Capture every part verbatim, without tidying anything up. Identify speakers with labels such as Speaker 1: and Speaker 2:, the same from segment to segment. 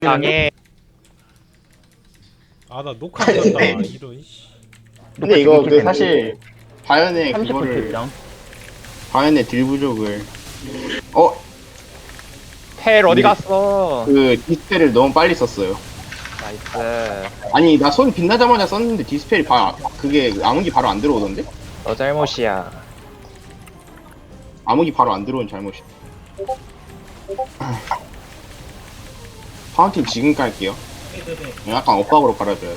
Speaker 1: 당해.
Speaker 2: 아 나 녹화 안 간다 이런 씨.
Speaker 3: 근데 이거 그 사실 바연의 그거를
Speaker 4: 삼십 퍼센트
Speaker 3: 바연의 딜 부족을 어?
Speaker 1: 펠 어디
Speaker 3: 네.
Speaker 1: 갔어?
Speaker 3: 그 디스펠을 너무 빨리 썼어요.
Speaker 1: 나이스.
Speaker 3: 아니 나 손 빛나자마자 썼는데 디스펠이 바 그게 암흑이 바로 안 들어오던데?
Speaker 1: 너 잘못이야.
Speaker 3: 암흑이 바로 안 들어온 잘못이. 파운틴 지금 깔게요. 약간 엇박으로 깔아줘야 돼.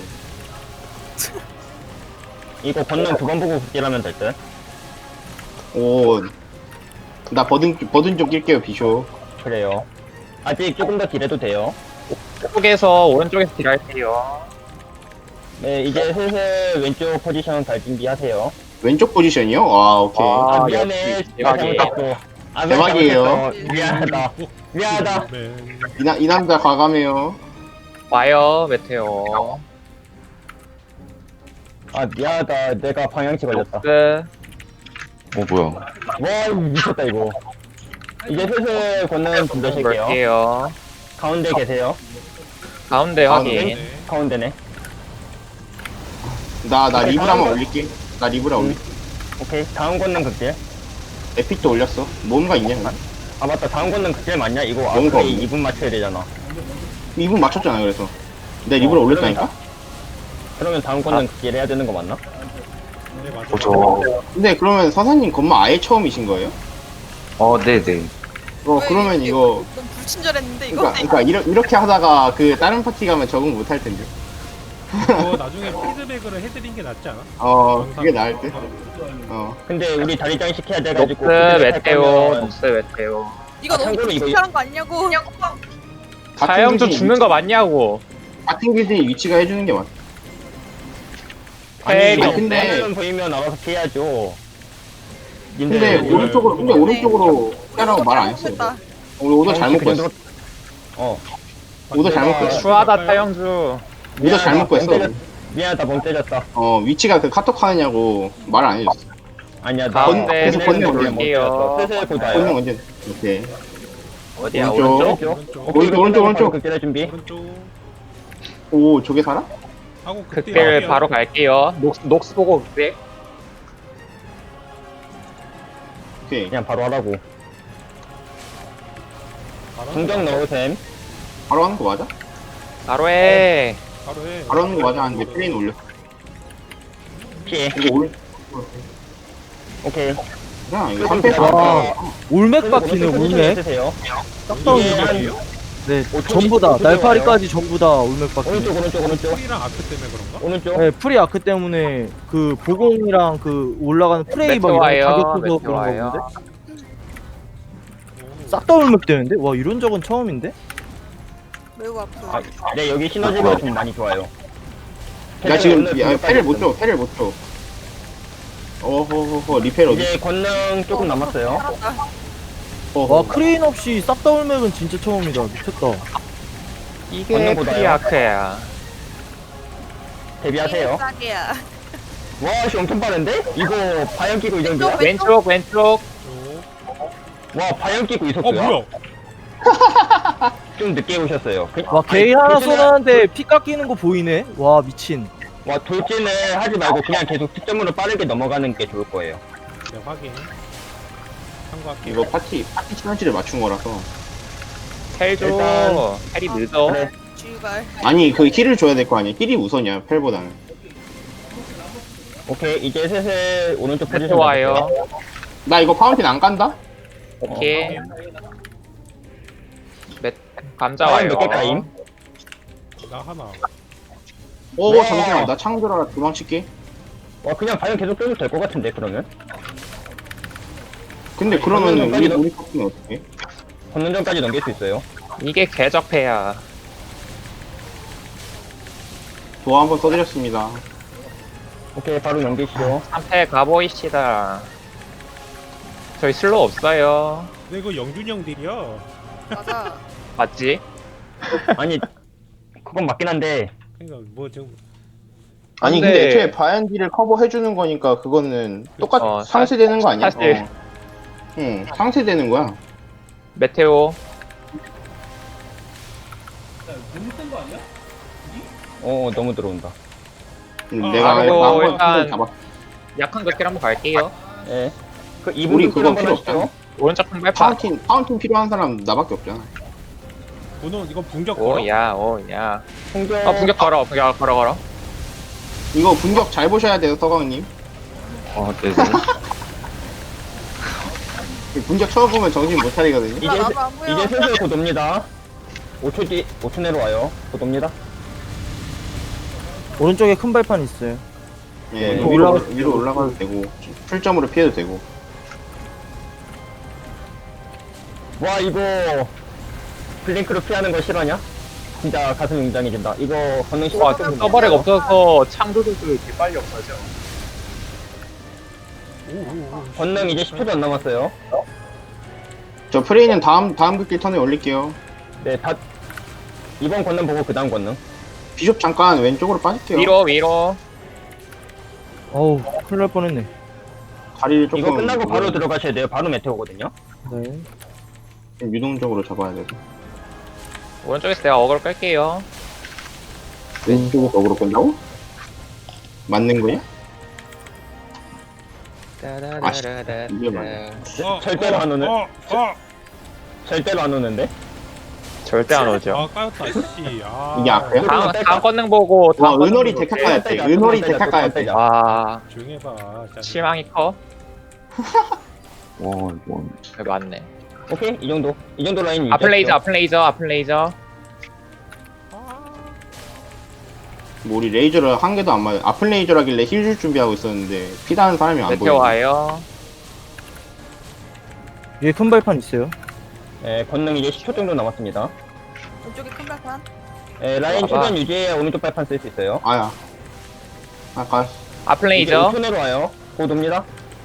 Speaker 4: 이거 건능 두 번 보고 극딜하면 될 듯.
Speaker 3: 오, 나 버든 버든 좀 낄게요 비쇼.
Speaker 4: 그래요. 아직 조금 더 딜해도 돼요.
Speaker 1: 쪽에서 오른쪽에서 딜할게요.
Speaker 4: 네, 이제 슬슬 왼쪽 포지션 갈 준비하세요.
Speaker 3: 왼쪽 포지션이요? 아 오케이.
Speaker 1: 아,
Speaker 4: 아, 미안해.
Speaker 1: 역시
Speaker 4: 내가
Speaker 1: 대박이에요.
Speaker 4: 잘못했어. 아,
Speaker 3: 대박이에요.
Speaker 4: 잘못했어. 미안하다. 미안하다.
Speaker 2: 맨.
Speaker 3: 이, 나, 이 남자 과감해요.
Speaker 1: 와요 메테오.
Speaker 4: 아, 미안하다. 내가 방향치 걸렸다.
Speaker 1: 끝.
Speaker 5: 어 뭐야?
Speaker 4: 와, 이거 미쳤다, 이거. 이제 슬슬 건능 준비하실게요.
Speaker 1: 볼게요.
Speaker 4: 가운데 계세요.
Speaker 1: 가운데
Speaker 3: 가운데?
Speaker 1: 확인.
Speaker 2: 네.
Speaker 4: 가운데네.
Speaker 3: 나 나 리브라 한번 올릴게. 나 리브라 올릴게.
Speaker 4: 오케이. 다음 건능 극딜.
Speaker 3: 에픽도 올렸어. 뭔가 있냐? 근데?
Speaker 4: 아, 맞다. 다음 건능 극딜 맞냐? 이거
Speaker 3: 뭔가
Speaker 4: 앞에
Speaker 3: 없네.
Speaker 4: 이 분 맞춰야 되잖아.
Speaker 3: 이 분 맞췄잖아 그래서. 내 리브라
Speaker 4: 어,
Speaker 3: 올렸다니까?
Speaker 4: 그러면 다음 건능 극딜 해야 되는 거 맞나?
Speaker 2: 네 맞아.
Speaker 5: 어, 저,
Speaker 3: 근데 그러면 사사님 건마 아예 처음이신 거예요?
Speaker 5: 어, 네네.
Speaker 3: 어 그러면 이거
Speaker 6: 너무 불친절했는데 이거?
Speaker 3: 그러니까, 그러니까 이러, 이렇게 하다가 그 다른 파티 가면 적응 못 할 텐데.
Speaker 2: 이거 나중에 피드백으로 해드린 게 낫지 않아?
Speaker 3: 어 그게 나을 듯. 어
Speaker 4: 근데 우리 다리장 시켜야 돼가지고.
Speaker 1: 녹스
Speaker 4: 피드백 할
Speaker 1: 메테오.
Speaker 4: 거면
Speaker 1: 녹스 메테오.
Speaker 6: 이거
Speaker 4: 아,
Speaker 6: 너무
Speaker 4: 참고로 이거-
Speaker 6: 불친절한 거 아니냐고?
Speaker 1: 사형주
Speaker 3: 길드의
Speaker 1: 죽는 거 맞냐고.
Speaker 3: 위치- 같은 길드의 위치가 해주는 게 맞.
Speaker 4: 아니,
Speaker 1: 펠이
Speaker 3: 아니, 근데-
Speaker 4: 근데 보이면 알아서 피해야죠.
Speaker 3: 근데
Speaker 4: 님들,
Speaker 3: 오른쪽으로 근데 오른쪽으로 빼라고 말 안 했어.
Speaker 6: 했다.
Speaker 3: 우리 오더 잘못
Speaker 4: 그냥
Speaker 3: 구했어.
Speaker 4: 어.
Speaker 3: 오더 잘못
Speaker 4: 내가-
Speaker 3: 구했어.
Speaker 1: 추하다 사형주.
Speaker 3: 오더 잘못 구했어.
Speaker 4: 멍 때렸- 미안하다, 멍 때렸다.
Speaker 3: 어 위치가 그 카톡 하느냐고 말 안 해줬어.
Speaker 4: 아니야, 나
Speaker 1: 가운데
Speaker 3: 계속 건너
Speaker 1: 올릴게요.
Speaker 4: 슬슬
Speaker 3: 오늘
Speaker 4: 보자요.
Speaker 3: 언제? 오케이.
Speaker 1: 어디야
Speaker 3: 오른쪽.
Speaker 1: 오른쪽?
Speaker 4: 오른쪽.
Speaker 2: 오른쪽.
Speaker 3: 오른쪽, 오른쪽, 오른쪽.
Speaker 4: 극딜할 준비.
Speaker 2: 오른쪽
Speaker 3: 오 저게 살아?
Speaker 2: 하고 그때
Speaker 1: 극딜 바로 갈게요. 녹스 녹스 보고 극딜.
Speaker 3: 오케이.
Speaker 4: 그냥 바로 하라고. 중정 넣으셈.
Speaker 3: 바로 하는 거 맞아?
Speaker 1: 바로 해.
Speaker 2: 바로 해.
Speaker 3: 바로 하는 거 맞아 하는데 플레인 올려.
Speaker 4: 피해.
Speaker 3: 이거 올
Speaker 4: 오케이.
Speaker 3: 그냥 이거 삼 패스.
Speaker 4: 와.
Speaker 7: 올맥 박히네 올맥
Speaker 4: 쓰세요.
Speaker 7: 싹다
Speaker 4: 이게
Speaker 7: 올맥
Speaker 2: 이게요?
Speaker 7: 네
Speaker 4: 오토-
Speaker 7: 전부 다
Speaker 4: 오토
Speaker 7: 날파리까지 전부 다 올맥 박히네
Speaker 4: 오른쪽, 오른쪽, 오른쪽.
Speaker 2: 풀이랑 아크 때문에 그런가?
Speaker 4: 오른쪽.
Speaker 7: 네 프리 아크 때문에 그 보공이랑 그 올라가는 프레이 막 이런
Speaker 1: 메테오와요.
Speaker 7: 가격 줘서 그런 거
Speaker 1: 메테오와요.
Speaker 7: 보는데 싹 다 올맥 되는데? 와 이런 적은 처음인데?
Speaker 6: 매우 아프.
Speaker 4: 아, 네, 여기 시너지가 좀 많이 좋아요.
Speaker 3: 나 지금
Speaker 4: 오늘
Speaker 3: 야,
Speaker 4: 공격까지
Speaker 3: 패를 못
Speaker 4: 했음.
Speaker 3: 줘. 패를 못 줘. 어허허허 리페어 어디?
Speaker 4: 이제 권능 조금 남았어요.
Speaker 6: 살았다.
Speaker 7: 와 크레인 없이 싹 다 올맥은 진짜 처음이다 미쳤다
Speaker 1: 이게
Speaker 4: 건너보다요.
Speaker 1: 프리아크야.
Speaker 4: 데뷔하세요.
Speaker 6: 싸게야.
Speaker 4: 와, 씨, 엄청 빠른데? 이거 바연 끼고 이 정도야?
Speaker 1: 왼쪽 왼쪽.
Speaker 4: 와, 바연 끼고 이
Speaker 2: 어
Speaker 4: 속도야?
Speaker 2: 뭐야?
Speaker 4: 좀 늦게 오셨어요. 그-
Speaker 7: 와 게이
Speaker 4: 아니,
Speaker 7: 하나
Speaker 4: 돌진을-
Speaker 7: 쏘나는데 피 깎이는 거 보이네? 와 미친
Speaker 4: 와, 돌진을 하지 말고 그냥 계속 특점으로 빠르게 넘어가는 게 좋을 거예요.
Speaker 2: 네 확인. 참고할게.
Speaker 3: 이거 파티 파티 시너지를 맞춘 거라서.
Speaker 1: 텔 줘.
Speaker 4: 일단-
Speaker 1: 텔이 늦어.
Speaker 4: 그래.
Speaker 6: 주발.
Speaker 3: 아니 그 힐을 줘야 될 거 아니야. 힐이 우선이야 펠보다는.
Speaker 4: 오케이, 이제 슬슬 오른쪽 포지션
Speaker 1: 메테오와요.
Speaker 4: 잡을게요.
Speaker 3: 나 이거 파운틴 안 간다?
Speaker 1: 오케이. 메 감자
Speaker 4: 바연
Speaker 1: 와요.
Speaker 4: 몇개 까임?
Speaker 2: 나 하나.
Speaker 3: 오
Speaker 4: 네.
Speaker 3: 잠시만 나 창 들어라 도망칠게.
Speaker 4: 와, 그냥 바연 계속 빼도 될 것 같은데, 그러면?
Speaker 3: 근데 그러면
Speaker 4: 그러면
Speaker 3: 우리
Speaker 4: 빨리
Speaker 3: 우리 파티는 어떻게?
Speaker 4: 권능전까지 넘길 수 있어요.
Speaker 1: 이게 궤적패야.
Speaker 3: 도화 한번 써드렸습니다.
Speaker 4: 오케이, 바로 넘기시죠.
Speaker 1: 삼 패 가보이시다. 저희 슬로우 없어요.
Speaker 2: 근데 이거 영준이 형 딜이야.
Speaker 6: 맞아.
Speaker 1: 맞지?
Speaker 4: 아니, 그건 맞긴 한데,
Speaker 2: 그러니까 뭐 지금
Speaker 3: 아니
Speaker 1: 근데-
Speaker 3: 근데 애초에 바연디를 커버해주는 거니까 그거는 똑같
Speaker 1: 어,
Speaker 3: 상쇄되는 거 아니야?
Speaker 1: 사실.
Speaker 3: 어. 응 상쇄되는 거야.
Speaker 1: 메테오.
Speaker 4: 어 너무 들어온다.
Speaker 3: 음,
Speaker 2: 아,
Speaker 3: 내가
Speaker 1: 그리고
Speaker 3: 마음껏
Speaker 1: 일단-
Speaker 3: 잡아.
Speaker 1: 약한 극딜 한번 갈게요.
Speaker 4: 예. 그
Speaker 3: 우리
Speaker 4: 이분
Speaker 3: 그거
Speaker 4: 한번
Speaker 3: 필요
Speaker 4: 하시죠.
Speaker 3: 없잖아.
Speaker 1: 오른쪽 큰 발판.
Speaker 3: 파운틴 파운틴 필요한 사람 나밖에 없잖아.
Speaker 2: 오늘 이거 분격 걸어?
Speaker 1: 오야 오야.
Speaker 4: 공격.
Speaker 1: 어 분격 걸어 분격 걸어 걸어.
Speaker 3: 이거 분격 잘 보셔야 돼요, 서광님.
Speaker 5: 어, 네네.
Speaker 3: 분격 처음 보면 정신 못 차리거든요.
Speaker 4: 이제
Speaker 6: 나 나도 안 보여.
Speaker 4: 이제 슬슬 곧 옵니다. 오 초 뒤, 오 초 내로 와요. 곧 옵니다.
Speaker 7: 오른쪽에 큰 발판 있어요.
Speaker 3: 예,
Speaker 4: 네.
Speaker 3: 위로,
Speaker 7: 올라가-
Speaker 3: 위로 올라가도 되고 풀점으로 피해도 되고.
Speaker 4: 와 이거 블링크로 피하는 거 실화냐? 진짜 가슴 웅장해진다. 이거 건능 시간
Speaker 1: 와 서버렉 없어서 창조들도 이렇게 빨리 없어져.
Speaker 4: 건능 이제 십 초도 안 남았어요.
Speaker 3: 저 프레이는 다음 다음 극딜 턴에 올릴게요.
Speaker 4: 네, 다 이번 건능 보고 그 다음 건능.
Speaker 3: 비숍 잠깐 왼쪽으로 빠질게요.
Speaker 1: 위로 위로.
Speaker 7: 어우, 큰일 날 뻔했네.
Speaker 3: 다리를 조금
Speaker 4: 이거 끝나고 바로 들어가셔야 돼요. 바로 메테오거든요.
Speaker 7: 네.
Speaker 3: 좀 유동적으로 잡아야 되고.
Speaker 1: 오른쪽에서 내가 어그로 끌게요.
Speaker 3: 왼쪽에서 어그로 끈다고? 맞는 거야? 이게 맞아.
Speaker 2: 어,
Speaker 4: 절대로
Speaker 2: 어,
Speaker 4: 안 오네.
Speaker 2: 어, 어.
Speaker 4: 절대로 안 오는데.
Speaker 1: 절대 안 오죠.
Speaker 2: 아 까였다 씨. 아,
Speaker 3: 이게 앞에요?
Speaker 1: 다음 다음 건능 보고
Speaker 3: 와,
Speaker 1: 다음 건능
Speaker 3: 은월이
Speaker 1: 보고
Speaker 3: 데카
Speaker 1: 올게요.
Speaker 3: 까야 돼. 은월이 데카 까야 돼.
Speaker 1: 와
Speaker 2: 조용히 해봐. 진짜.
Speaker 1: 실망이 커.
Speaker 5: 와, 이거.
Speaker 1: 네, 맞네.
Speaker 4: 오케이 이 정도. 이 정도 라인
Speaker 1: 아플레이저
Speaker 4: 유지하시죠.
Speaker 1: 아플레이저 아플레이저.
Speaker 3: 뭐 우리 레이저를 한 개도 안 맞아. 아플 레이저라길래 힐 줄 준비하고 있었는데 피다는 사람이 안
Speaker 1: 메테오
Speaker 3: 보여.
Speaker 1: 와요.
Speaker 7: 위에 큰 발판 있어요.
Speaker 4: 네, 건능 이제 십 초 정도 남았습니다.
Speaker 6: 왼쪽에 큰 발판.
Speaker 4: 네, 라인
Speaker 1: 봐봐.
Speaker 4: 최대한 유지해야 오른쪽 발판 쓸 수 있어요.
Speaker 3: 아야. 아까
Speaker 4: 이제
Speaker 1: 아플레이저.
Speaker 4: 오 초 내로 와요. 곧 옵니다.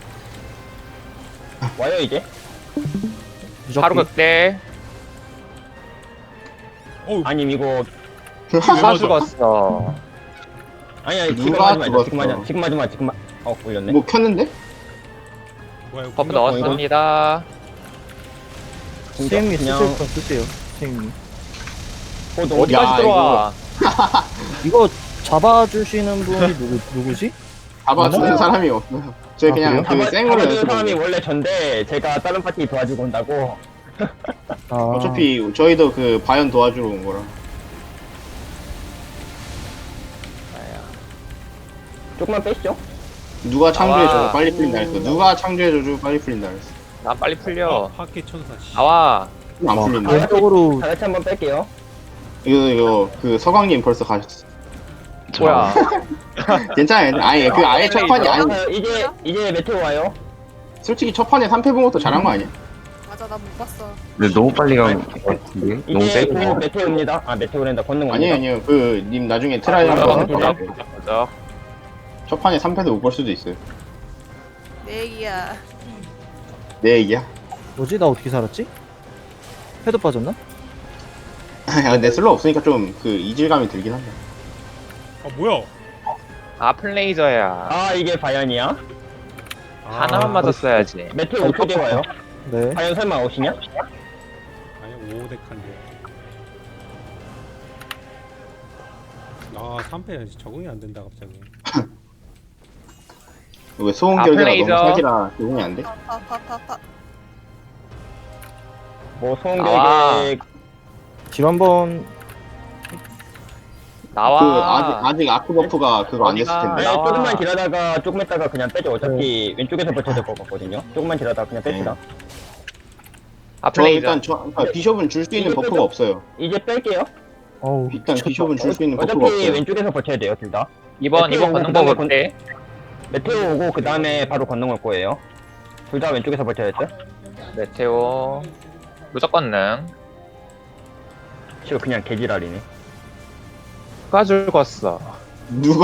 Speaker 4: 와요 이제.
Speaker 7: 무적기.
Speaker 1: 바로 극대.
Speaker 2: 어우,
Speaker 4: 아님 이거
Speaker 1: 누가 죽었어.
Speaker 4: 아니 아니 지금
Speaker 3: 누가
Speaker 4: 하지 말자.
Speaker 3: 죽었어?
Speaker 4: 지금 하지 마. 지금 하지 마. 지금 마. 어 올렸네.
Speaker 3: 뭐 켰는데?
Speaker 2: 뭐야 이거
Speaker 1: 버프
Speaker 2: 분격
Speaker 1: 넣었습니다.
Speaker 7: 스님이
Speaker 4: 그냥-
Speaker 7: 쓰실 건 쓰세요. 스님이.
Speaker 4: 곧
Speaker 3: 야,
Speaker 4: 오.
Speaker 1: 어디까지 들어와?
Speaker 7: 이거 잡아주시는 분이 누구, 누구지?
Speaker 3: 잡아주는
Speaker 7: 맞아요.
Speaker 3: 사람이 없어요. 저
Speaker 7: 아,
Speaker 3: 그냥
Speaker 7: 그래요?
Speaker 3: 그 생으로
Speaker 4: 잡아주는
Speaker 3: 연습.
Speaker 4: 사람이 원래 전데 제가 다른 파티 도와주고 온다고.
Speaker 7: 아,
Speaker 3: 어차피 저희도 그 바연 도와주러 온 거라.
Speaker 4: 조금만 빼시죠.
Speaker 3: 누가 창조해줘도
Speaker 1: 나와.
Speaker 3: 빨리 풀린다 했어. 누가 창조해줘도 빨리 풀린다 했어.
Speaker 1: 난 빨리
Speaker 2: 어,
Speaker 1: 풀려.
Speaker 2: 파괴 천사 씨.
Speaker 1: 나와.
Speaker 3: 안
Speaker 7: 와,
Speaker 3: 풀린다.
Speaker 7: 왼쪽으로
Speaker 4: 다 같이 한번 뺄게요.
Speaker 3: 이거 이거 그 서광님 벌써 가셨어.
Speaker 1: 뭐야?
Speaker 3: 괜찮아요. 아예 그 아예 첫 판이 아니.
Speaker 4: 아, 이제 이제 메테오 와요.
Speaker 3: 솔직히 첫 판에 삼 패 본 것도 잘한 거 아니야?
Speaker 6: 맞아 나 못 봤어.
Speaker 5: 근데 너무 빨리 간 것 같은데? 너무
Speaker 4: 이제
Speaker 5: 세게.
Speaker 4: 곧 메테오입니다. 아 메테오랜다. 건능
Speaker 3: 아니에요
Speaker 4: 옵니다.
Speaker 3: 아니에요. 그 님 나중에 트라이
Speaker 1: 아,
Speaker 3: 한번
Speaker 1: 그죠,
Speaker 3: 해봐.
Speaker 1: 그죠, 그죠.
Speaker 3: 첫 판에 삼 패도 못 볼 수도 있어요.
Speaker 6: 내 얘기야.
Speaker 3: 내 얘기야.
Speaker 7: 뭐지? 나 어떻게 살았지? 패드 빠졌나?
Speaker 3: 야, 내 슬로 없으니까 좀 그 이질감이 들긴 한다.
Speaker 2: 아 뭐야?
Speaker 1: 아플레이저야.
Speaker 4: 아 이게 바연이야?
Speaker 2: 아,
Speaker 1: 하나만 맞았어야지.
Speaker 4: 메테오 오 초 뒤에 와요.
Speaker 7: 네.
Speaker 4: 바연 설마 오시냐?
Speaker 2: 아니 오덱한데. 아 삼 패 적응이 안 된다 갑자기.
Speaker 3: 왜 소음 결계가
Speaker 1: 아플레이저.
Speaker 3: 너무 사기라 적응이 안 돼?
Speaker 6: 파파파파.
Speaker 4: 뭐
Speaker 1: 나와.
Speaker 4: 소음결계
Speaker 7: 딜 한번
Speaker 1: 나와.
Speaker 3: 그 아직 아직 아크 버프가 그거 안 됐을
Speaker 1: 어디가?
Speaker 3: 텐데.
Speaker 4: 네,
Speaker 1: 나와.
Speaker 4: 조금만 딜하다가 조금 했다가 그냥 빼죠. 어차피 왼쪽에서 버텨야 될 것 같거든요. 조금만 딜하다가 그냥 뺍시다.
Speaker 3: 저
Speaker 1: 아플레이저.
Speaker 3: 일단 저 그러니까 비숍은 줄 수 있는
Speaker 4: 이거
Speaker 3: 버프가
Speaker 4: 좀-
Speaker 3: 없어요.
Speaker 4: 이제 뺄게요.
Speaker 7: 어우
Speaker 3: 일단 비숍은 줄 수 있는 버프가
Speaker 4: 어차피
Speaker 3: 없어요.
Speaker 4: 왼쪽에서 버텨야 돼요, 둘 다.
Speaker 1: 이번 이번
Speaker 4: 메테오
Speaker 1: 걷는
Speaker 4: 그다음에
Speaker 1: 거
Speaker 4: 건-
Speaker 1: 볼게.
Speaker 4: 메테오 오고 그 다음에 바로 건능 올 거예요. 둘 다 왼쪽에서 버텨야죠.
Speaker 1: 메테오. 무조건 능.
Speaker 4: 지금 그냥 개지랄이네.
Speaker 1: 누가 죽었어?
Speaker 3: 누가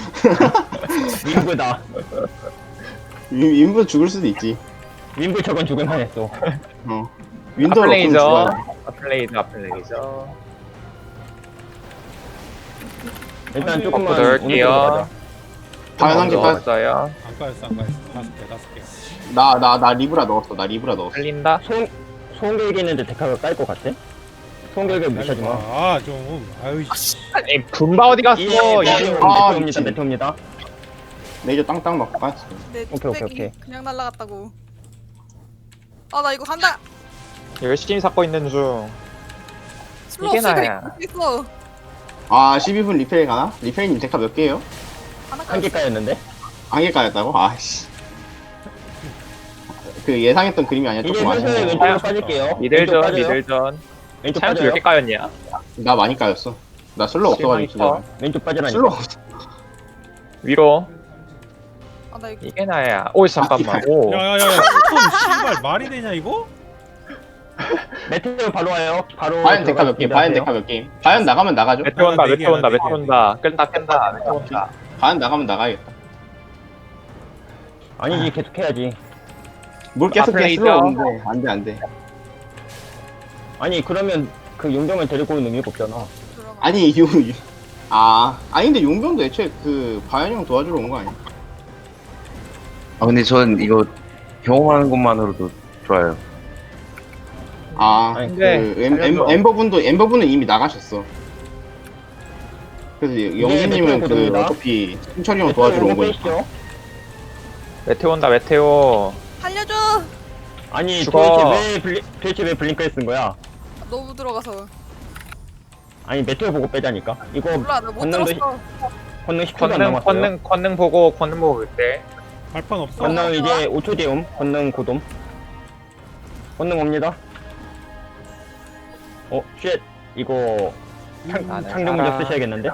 Speaker 4: 윈브다.
Speaker 3: 윈- 윈부 죽을 수도 있지.
Speaker 4: 윈브 저건 죽을만 했어.
Speaker 3: 어. 윈도우
Speaker 1: 아플레이저.
Speaker 3: 죽어요.
Speaker 1: 아플레이저 아플레이저.
Speaker 4: 일단
Speaker 2: 아니,
Speaker 4: 조금만
Speaker 1: 버프 넣을게요.
Speaker 4: 오른쪽으로 가자.
Speaker 3: 바연 한개 빠.
Speaker 1: 넣었어요.
Speaker 2: 안 까였어 안 까였어. 다섯 개 다섯 개.
Speaker 3: 나나 나 리브라 넣었어. 나 리브라 넣었어.
Speaker 1: 흘린다.
Speaker 4: 소음, 소음결계 있는데 데카가 깔 것 같아? 송결결 무시하지 마.
Speaker 2: 아좀 아유 씨.
Speaker 1: 아니 분바 어디 갔어?
Speaker 4: 예,
Speaker 1: 이게
Speaker 4: 메테오
Speaker 3: 아,
Speaker 4: 메테오입니다.
Speaker 3: 미친.
Speaker 4: 메테오입니다.
Speaker 3: 레이저 땅땅 맞고 빠졌어.
Speaker 6: 내
Speaker 4: 오케이, 오케이,
Speaker 6: 뚝배기
Speaker 4: 오케이.
Speaker 6: 그냥 날라갔다고. 아 나 이거 간다.
Speaker 1: 열심히 잡고 있는 중.
Speaker 6: 슬로
Speaker 1: 이게
Speaker 6: 없으니까
Speaker 1: 나야.
Speaker 6: 이거 있어.
Speaker 3: 아 십이 분 리페일 가나? 리페일님 데카 몇 개예요?
Speaker 6: 하나
Speaker 4: 한 개까였는데.
Speaker 3: 한 개까였다고? 아씨. 그 예상했던 그림이 아니야.
Speaker 4: 이제
Speaker 3: 조금
Speaker 4: 슬슬
Speaker 3: 아쉽네.
Speaker 4: 왼쪽으로 빠질게요. 왼쪽
Speaker 1: 미들전
Speaker 4: 빠져요.
Speaker 1: 미들전.
Speaker 4: 왼쪽
Speaker 1: 차ян수
Speaker 4: 빠져요.
Speaker 1: 몇 개 까였냐?
Speaker 3: 나 많이 까였어. 나 슬로 없어가지고 진짜.
Speaker 4: 왼쪽 빠지라니까.
Speaker 3: 슬로 없어.
Speaker 1: 위로.
Speaker 6: 아나 이거
Speaker 1: 이게 나야. 오 잠깐만. 오.
Speaker 2: 야야야야 스톤 씨발 말이 되냐 이거?
Speaker 4: 메테오 바로 와요. 바로.
Speaker 3: 바연 데카 몇 개?
Speaker 4: 들어가겠습니다.
Speaker 3: 바연 데카 몇 개? 바연 나가면 나가죠?
Speaker 1: 메테 온다
Speaker 2: 하나, 네
Speaker 1: 메테
Speaker 2: 개,
Speaker 1: 온다
Speaker 2: 하나,
Speaker 1: 메테
Speaker 2: 네 개.
Speaker 1: 온다. 끈다 끈다 메테 온다.
Speaker 3: 바연 나가면 나가야겠다.
Speaker 4: 아니지 계속 해야지.
Speaker 3: 뭘 계속
Speaker 1: 아,
Speaker 3: 해
Speaker 1: 플레이죠.
Speaker 3: 슬로 없는데 안돼 안돼.
Speaker 4: 아니 그러면 그 용병을 데리고 오는 의미가 없잖아.
Speaker 6: 들어가.
Speaker 3: 아니 유. 유- 아 아니 근데 용병도 애초에 그 바연 형 도와주러 온 거 아니야?
Speaker 5: 아 근데 전 이거 경험하는 것만으로도 좋아요.
Speaker 3: 아,
Speaker 4: 아니,
Speaker 3: 그 엠, 엠, 엠버분도 엠버분은 이미 나가셨어. 그래서 영진님은
Speaker 4: 메테오
Speaker 3: 그
Speaker 4: 고정이다.
Speaker 3: 어차피 승철이 형 도와주러 온 거니까.
Speaker 4: 빼시죠.
Speaker 1: 메테 온다 메테오.
Speaker 6: 살려줘.
Speaker 4: 아니
Speaker 1: 죽어.
Speaker 4: 도대체 왜 블리, 도대체 왜 블링크를 쓴 거야?
Speaker 6: 너무 들어가서.
Speaker 4: 아니 메테오 보고 빼자니까. 이거
Speaker 6: 몰라 나 못
Speaker 4: 건너도
Speaker 6: 들었어.
Speaker 4: 권능 십 초도 안
Speaker 1: 권능
Speaker 4: 남았어요.
Speaker 1: 권능 권능 보고 권능 보고 그때.
Speaker 2: 발판 없어?
Speaker 4: 권능 이제 오 초 뒤에 옴. 권능 고돔. 권능 옵니다. 어, 쉣. 이거 창,
Speaker 1: 나는
Speaker 4: 창조
Speaker 1: 살아.
Speaker 4: 문제 쓰셔야겠는데?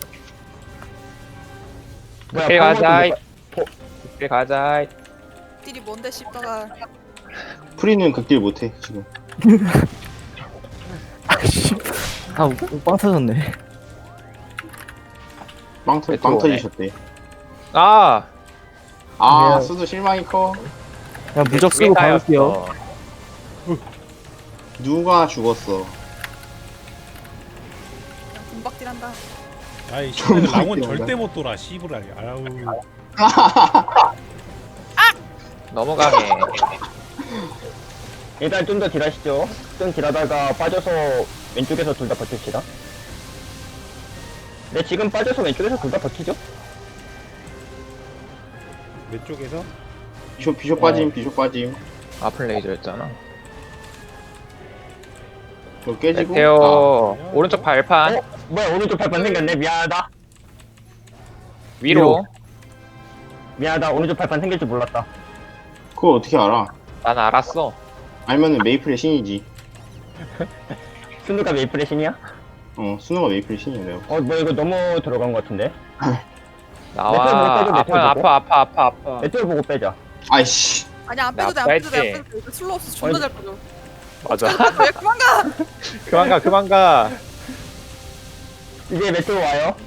Speaker 4: 뭐야,
Speaker 1: 그때 가자.
Speaker 4: 파워도 못
Speaker 1: 그때 가자.
Speaker 6: 딜이 뭔데 씹다가.
Speaker 3: 프리는 극딜 못해 지금.
Speaker 7: 아빵 터졌네.
Speaker 3: 빵, 터,
Speaker 1: 메테오
Speaker 3: 빵
Speaker 1: 오네.
Speaker 3: 터지셨대.
Speaker 1: 아.
Speaker 3: 아
Speaker 7: 네.
Speaker 3: 수도 실망이 커.
Speaker 7: 그냥 무적 쓰고 가볼게요.
Speaker 3: 누가 죽었어?
Speaker 6: 그냥 군박질한다.
Speaker 2: 야이
Speaker 3: 좀
Speaker 2: 씨발 랑원
Speaker 3: 많이
Speaker 2: 절대 못 돌아 씨부라. 아우
Speaker 1: 너무 강해.
Speaker 4: 일단 좀 더 딜하시죠. 좀 딜하다가 빠져서 왼쪽에서 둘 다 버팁시다. 네, 지금 빠져서 왼쪽에서 둘 다 버티죠?
Speaker 2: 왼쪽에서
Speaker 3: 비숍 비숍 빠짐 비숍 빠짐.
Speaker 1: 아플 레이저였잖아.
Speaker 3: 저 깨지고.
Speaker 1: 메테오
Speaker 2: 아.
Speaker 1: 오른쪽 발판
Speaker 4: 어? 뭐야, 오른쪽 발판 생겼네. 미안하다.
Speaker 1: 위로.
Speaker 4: 미안하다. 오른쪽 발판 생길 줄 몰랐다.
Speaker 3: 아, 그걸 어떻게 알아?
Speaker 1: 난 알았어.
Speaker 3: 알면은 메이플의 신이지.
Speaker 4: 순두가 메이플의 신이야?
Speaker 3: 어 수능가 메이플의 신이야 내가.
Speaker 4: 어, 뭐 이거 너무 들어간 것 같은데?
Speaker 1: 나와.
Speaker 4: 메테오 보고
Speaker 1: 아파
Speaker 4: 메테오 보고.
Speaker 1: 아파 아파 아파 아파.
Speaker 4: 메테오 보고 빼자.
Speaker 3: 아이씨.
Speaker 6: 아니 안 빼도 돼 안 빼도 돼안 빼도 돼. 이거 슬로 없어 존나 잘 빼줘.
Speaker 1: 맞아.
Speaker 6: 왜 그만 가?
Speaker 1: 그만 가 그만 가.
Speaker 4: 이제 메테오 와요.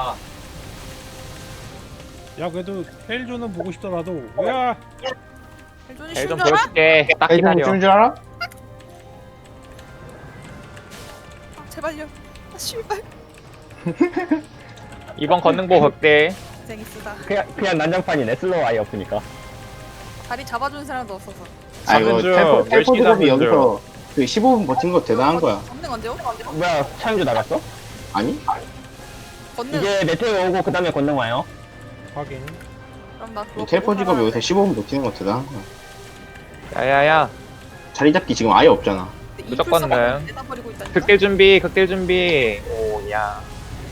Speaker 2: 야 그래도 헬조는 보고 싶더라도 야
Speaker 6: 헬존이
Speaker 1: 헬
Speaker 6: 쉬운
Speaker 1: 좀
Speaker 6: 줄 알아?
Speaker 1: 보여줄게. 딱
Speaker 3: 아이고
Speaker 1: 기다려.
Speaker 3: 죽는 줄 알아?
Speaker 6: 아, 제발요. 아 씨발.
Speaker 1: 이번 건능보 극대.
Speaker 6: 고생이 쓰다.
Speaker 4: 그냥, 그냥 난장판이네. 슬로우 아예 없으니까.
Speaker 6: 다리 잡아주는 사람도 없어서.
Speaker 3: 아 이거
Speaker 1: 잡는 중.
Speaker 3: 텔포
Speaker 1: 열심히
Speaker 3: 텔포 드롭이
Speaker 1: 잡는
Speaker 3: 여기서 그 십오 분 버틴 거 대단한 거야.
Speaker 6: 건능 언제 오?
Speaker 4: 뭐야, 차영주 나갔어?
Speaker 3: 아니?
Speaker 6: 건능.
Speaker 4: 이제 메테오 오고 그 다음에 권능 와요.
Speaker 2: 확인.
Speaker 6: 그럼 나 그거
Speaker 3: 텔포
Speaker 6: 보고
Speaker 3: 직업
Speaker 6: 살아야
Speaker 3: 여기서
Speaker 6: 돼.
Speaker 3: 십오 분 버티는 거 대단한 거야.
Speaker 1: 야야야.
Speaker 3: 자리 잡기 지금 아예 없잖아.
Speaker 6: 근데
Speaker 1: 무조건
Speaker 6: 이플
Speaker 1: 능.
Speaker 6: 내다 버리고 있다니까.
Speaker 1: 극딜 준비 극딜 준비. 오야.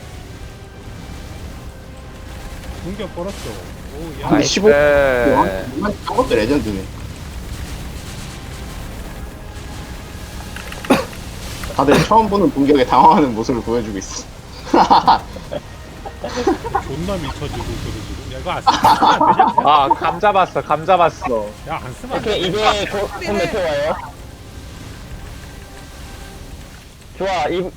Speaker 2: 공격 걸었어. 오야.
Speaker 3: 아니,
Speaker 1: 나이스.
Speaker 3: 십오? 이만 저것도 레전드네. 다들 처음 보는 공격에 당황하는 모습을 보여주고 있어.
Speaker 2: 존나 미쳐지고 있거든 지금. 야 이거 안 쓰면 안 되냐?
Speaker 1: 아감 잡았어 감 잡았어.
Speaker 2: 야안 쓰면 안
Speaker 4: 오케이,
Speaker 2: 돼.
Speaker 4: 이제 곧, 곧 메테오 와요. 좋아, 이,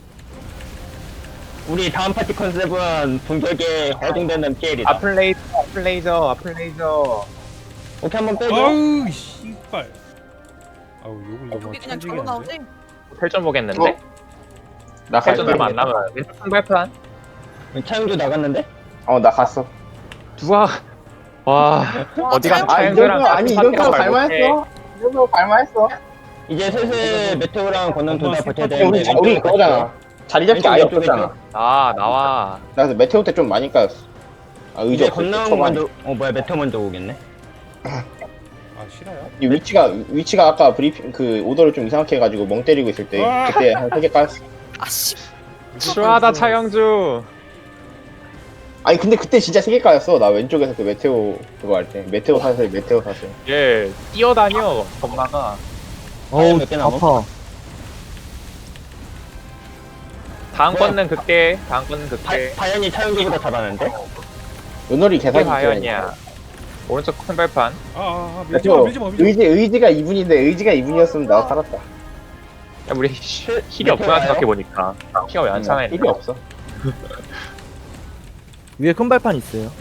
Speaker 4: 우리 다음 파티 컨셉은 분격에 허둥대는 피엘이다.
Speaker 1: 아플 레이저 아플 레이저 아플 레이저.
Speaker 4: 오케이, 한번 빼줘.
Speaker 2: 아우 씨발. 아우 욕을 너무
Speaker 6: 우리 그냥
Speaker 2: 천지게
Speaker 6: 절로
Speaker 2: 하는데.
Speaker 6: 나오지?
Speaker 1: 헬전 보겠는데?
Speaker 3: 어? 나
Speaker 1: 헬전
Speaker 3: 갈게.
Speaker 1: 얼마 안 남아. 왼쪽 큰 발판.
Speaker 4: 차영주 나갔는데?
Speaker 3: 어, 나 갔어.
Speaker 1: 누가 와 어디가
Speaker 6: 차영-
Speaker 3: 아, 이
Speaker 1: 차영주랑
Speaker 3: 정도, 아니, 이 정도 갈만했어. 이 정도 갈만했어.
Speaker 4: 이제 슬슬 메테오랑 권능 둘 다 버텨야
Speaker 3: 근데
Speaker 4: 되는데
Speaker 3: 우리, 자- 우리
Speaker 4: 왼쪽으로
Speaker 3: 그거잖아. 자리 잡기 아예
Speaker 4: 왼쪽, 왼쪽,
Speaker 3: 없었잖아.
Speaker 1: 아 나와.
Speaker 3: 나 그래서 메테오 때 좀 많이 까였어. 아, 의지
Speaker 4: 이제
Speaker 3: 없어.
Speaker 4: 권능
Speaker 3: 초반에.
Speaker 4: 먼저 어 뭐야 메테오 먼저 오겠네.
Speaker 2: 아 싫어요?
Speaker 3: 이 위치가, 위치가 아까 브리핑, 그, 오더를 좀 이상하게 해가지고 멍 때리고 있을 때, 그때 한 세 개 까였어.
Speaker 6: 아씨.
Speaker 1: 추하다 차영주.
Speaker 3: 아니, 근데 그때 진짜 세 개 까였어. 나 왼쪽에서 그 메테오 그거 할 때. 메테오 사슬, 메테오 사슬.
Speaker 1: 얘 뛰어다녀 겁나가.
Speaker 7: 어우
Speaker 4: 몇개 남아?
Speaker 7: 아파.
Speaker 1: 다음
Speaker 4: 뭐야?
Speaker 1: 건는 극대. 다음 건는
Speaker 4: 바,
Speaker 1: 극대.
Speaker 4: 바연이 차영기보다 잘하는데?
Speaker 3: 은월이
Speaker 1: 이게
Speaker 3: 계산이
Speaker 1: 과연이야. 오른쪽 큰 발판.
Speaker 2: 아아 밀지 마
Speaker 3: 메테오,
Speaker 2: 밀지 마 밀지 마.
Speaker 3: 의지, 의지가 이 분인데, 의지가 이 분이었으면 나 살았다.
Speaker 1: 야, 우리 히- 힐이 없구나 생각해 보니까. 힐이 왜 안 차나
Speaker 3: 힐이 없어.
Speaker 7: 위에 큰 발판 있어요.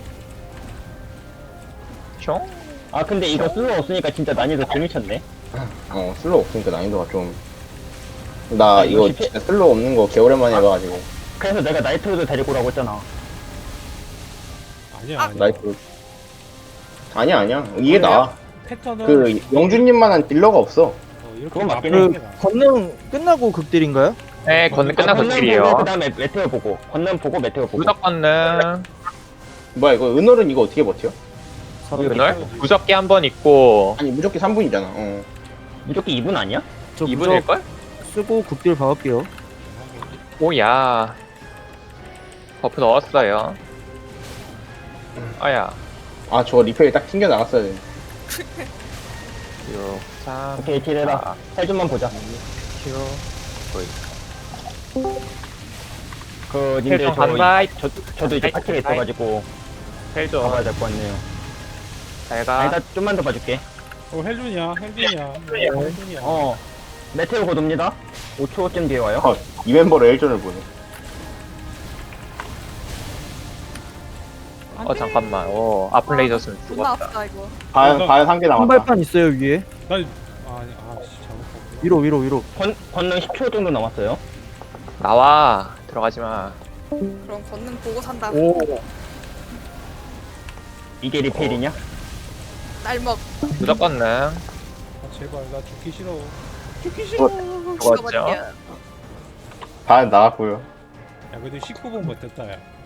Speaker 1: 총?
Speaker 4: 아 근데 이거 쓸모 없으니까 진짜 난이도 덜 미쳤네.
Speaker 3: 어, 슬로우 없으니까 난이도가 좀. 나
Speaker 4: 아, 이거
Speaker 3: 이거
Speaker 4: 실패-
Speaker 3: 진짜 슬로우 없는 거 개오랜만에 해봐가지고.
Speaker 4: 그래서 내가 나이트로드 데리고 오라고 했잖아.
Speaker 2: 아니야 아니야.
Speaker 3: 나이프. 아니야, 아니야. 이게 나아.
Speaker 2: 패턴은
Speaker 3: 그, 영준님만한 딜러가 없어.
Speaker 2: 어, 이렇게
Speaker 4: 그건 맞긴
Speaker 2: 앞으로
Speaker 7: 그 권능 끝나고 극딜인가요?
Speaker 1: 네, 건능 끝나고
Speaker 4: 권능 보고
Speaker 1: 극딜이에요.
Speaker 4: 그다음에 메테오 보고 권능 보고 메테오 보고.
Speaker 1: 무적 건능.
Speaker 3: 뭐야, 이거, 은월은 이거 어떻게 버텨?
Speaker 1: 그날 무적기 한 번 있고
Speaker 3: 아니, 무조건 삼 분이잖아. 어.
Speaker 4: 무조건 이 분 아니야?
Speaker 7: 저
Speaker 1: 이
Speaker 7: 무적
Speaker 1: 분일걸?
Speaker 7: 쓰고 극딜 박을게요.
Speaker 1: 오야. 버프 넣었어요. 아야.
Speaker 3: 아, 저 리페일 딱 튕겨 나갔어야 돼.
Speaker 1: 육, 삼,
Speaker 4: 오케이 딜해라. 살 좀만 보자.
Speaker 1: 칠,
Speaker 4: 그 님들
Speaker 1: 헬좀
Speaker 4: 저,
Speaker 1: 간다.
Speaker 4: 저 저도 이제 파티가 있어가지고
Speaker 1: 헬좀.
Speaker 4: 가봐야 될 것 같네요.
Speaker 1: 잘가.
Speaker 4: 아니다 좀만 더 봐줄게.
Speaker 2: 어 헬준이야 헬준이야. 헬준이야.
Speaker 4: 어 메테오 고도입니다. 오 초쯤 뒤에 와요.
Speaker 3: 어, 이 멤버로 일전을 보네.
Speaker 1: 어 잠깐만. 오 아플 레이저 쓰면
Speaker 6: 존나
Speaker 1: 죽었다.
Speaker 6: 아프다 이거.
Speaker 3: 과연, 과연 한 개
Speaker 7: 큰
Speaker 3: 남았다.
Speaker 7: 발판 있어요 위에.
Speaker 2: 나 아니 아씨 잘못 봤구나.
Speaker 7: 위로 위로 위로.
Speaker 4: 권 권능 십 초 정도 남았어요.
Speaker 1: 나와. 들어가지 마.
Speaker 6: 그럼 권능 보고 산다.
Speaker 1: 오.
Speaker 4: 이게 리페일이냐?
Speaker 6: 날먹.
Speaker 1: 무적 건능.
Speaker 2: 아 제발 나 죽기 싫어. 죽기 싫어.
Speaker 1: 죽었죠.
Speaker 6: 죽어버려.
Speaker 3: 과연 나갔고요.
Speaker 2: 야 그래도 십구 분 버텼다 야.